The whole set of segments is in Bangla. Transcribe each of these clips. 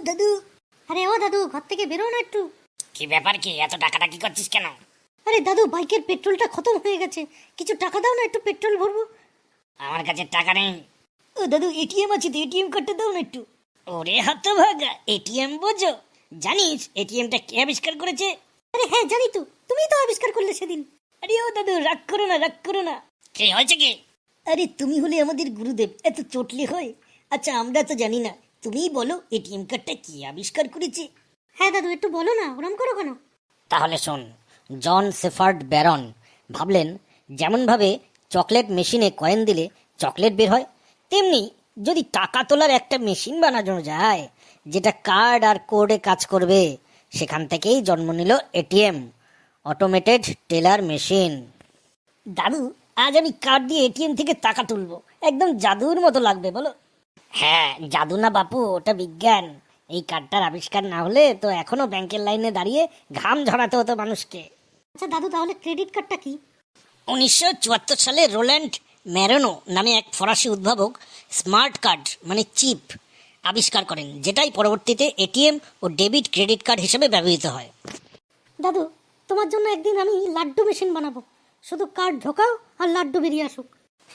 দাদু। আরে ও দাদু, ঘর থেকে বেরো না একটু। কি ব্যাপার, কি এত টাকাটাকি করছিস কেন? আরে দাদু, বাইকের পেট্রোলটা খতম হয়ে গেছে, কিছু টাকা দাও না, একটু পেট্রোল ভরবো। আমার কাছে টাকা নেই। ও দাদু, এটিএম আছে তো, এটিএম কার্ডটা দাও না একটু। ওরে হতভাগা, এটিএম বোঝো? জানিস এটিএমটা কে আবিষ্কার করেছে? আরে হ্যাঁ জানি তো, তুমিই তো আবিষ্কার করলে সেদিন। আরে ও দাদু, রাগ করো না, রাগ করো না। কি হয়েছে কি? আরে তুমি হলে আমাদের গুরুদেব, এত চটলে হয়? আচ্ছা আমরা তো জানি না, তুমিই বলো এটিএম কার্ডটা কি আবিষ্কার করেছে। হ্যাঁ দাদু, একটু বলো না, ওরম করো কেন? তাহলে শোন, জন সেফার্ড ব্যারন ভাবলেন যেমনভাবে চকলেট মেশিনে কয়েন দিলে চকলেট বের হয়, তেমনি যদি টাকা তোলার একটা মেশিন বানানো যায় যেটা কার্ড আর কোডে কাজ করবে, সেখান থেকেই জন্ম নিল এটিএম, অটোমেটেড টেলার মেশিন। দাদু, আজ আমি কার্ড দিয়ে এটিএম থেকে টাকা তুলবো, একদম জাদুর মতো লাগবে, বলো? হ্যাঁ, জাদু না বাপু, ওটা বিজ্ঞান। এই কার্ডটার আবিষ্কার না হলে তো এখনো ব্যাংকের লাইনে দাঁড়িয়ে ঘাম ঝরাতে হতো মানুষকে। আচ্ছা দাদু, তাহলে ক্রেডিট কার্ডটা কি? 1974 সালে রোল্যান্ড ম্যারোনো নামে এক ফরাসি উদ্ভাবক স্মার্ট কার্ড মানে চিপ আবিষ্কার করেন, যেটাই পরবর্তীতে এটিএম ও ডেবিট ক্রেডিট কার্ড হিসেবে ব্যবহৃত হয়। দাদু, তোমার জন্য একদিন আমি লাড্ডু মেশিন বানাবো, শুধু কার্ড ঢোকাও আর লাড্ডু বেরিয়ে আসুক।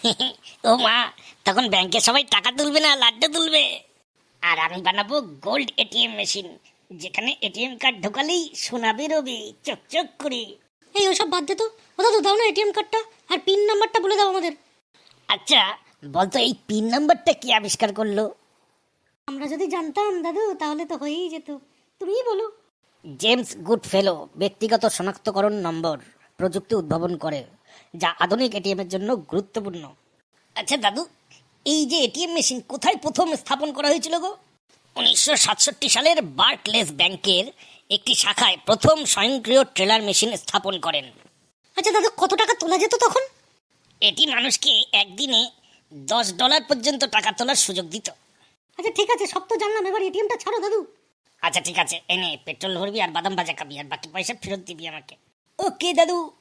ও মা, তখন ব্যাংকে সবাই টাকা তুলবে না, লাড্ডু তুলবে। আর আমি বানাবো গোল্ড এটিএম মেশিন, যেখানে এটিএম কার্ড ঢোকালেই সোনা বেরোবে চকচক করে। এই ওসব বাদ দে তো, ও দাদু দাও না এটিএম কার্ডটা, আর পিন নাম্বারটা বলে দাও আমাদের। আচ্ছা বলতো, এই পিন নাম্বারটা কি আবিষ্কার করলো? আমরা যদি জানতাম দাদু, তাহলে তো হয়েই যেত, তুমিই বলো। জেমস গুডফেলো ব্যক্তিগত শনাক্তকরণ নম্বর প্রযুক্তি উদ্ভাবন করে, যা আধুনিক এটিএম এর জন্য গুরুত্বপূর্ণ। আচ্ছা দাদু, এই যে এটিএম মেশিন কোথায় প্রথম স্থাপন করা হয়েছিল গো? 1967 সালের বার্কলেস ব্যাংকের একটি শাখায় প্রথম স্বয়ংক্রিয় ট্রেলার মেশিন স্থাপন করেন। আচ্ছা দাদু, কত টাকা তোলা যেত তখন? এটি মানুষকে একদিনে $10 পর্যন্ত টাকা তোলার সুযোগ দিত। আচ্ছা ঠিক আছে, সব তো জানলাম, এবার এটিএমটা ছাড়ো দাদু। আচ্ছা ঠিক আছে, এনে পেট্রোল ভরবি আর বাদাম ভাজা খাবি, আর বাকি পয়সা ফেরত দিবি আমাকে। ওকে দাদু।